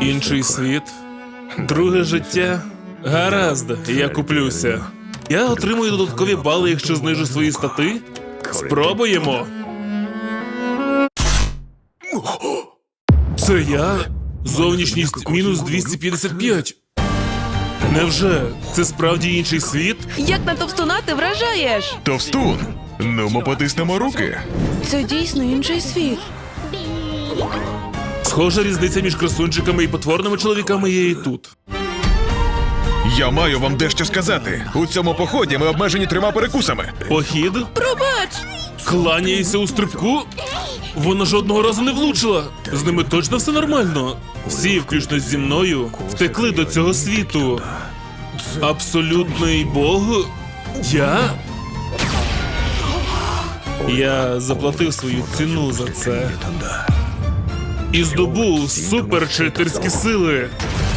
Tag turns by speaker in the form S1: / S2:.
S1: Інший світ, друге життя. Гаразд, я куплюся. Я отримую додаткові бали, якщо знижу свої стати. Спробуємо. Це я? Зовнішність мінус 255. Невже? Це справді інший світ?
S2: Як на товстуна ти вражаєш?
S3: Товстун! Ну, ми потиснемо руки.
S2: Це дійсно інший світ.
S1: Схожа різниця між красунчиками і потворними чоловіками є і тут.
S3: Я маю вам дещо сказати. У цьому поході ми обмежені 3 перекусами.
S1: Похід?
S2: Пробач!
S1: Кланяється у стрибку? Вона жодного разу не влучила. З ними точно все нормально. Всі, включно зі мною, втекли до цього світу. Абсолютний Бог? Я заплатив свою ціну за це. І здобув суперчитерські сили.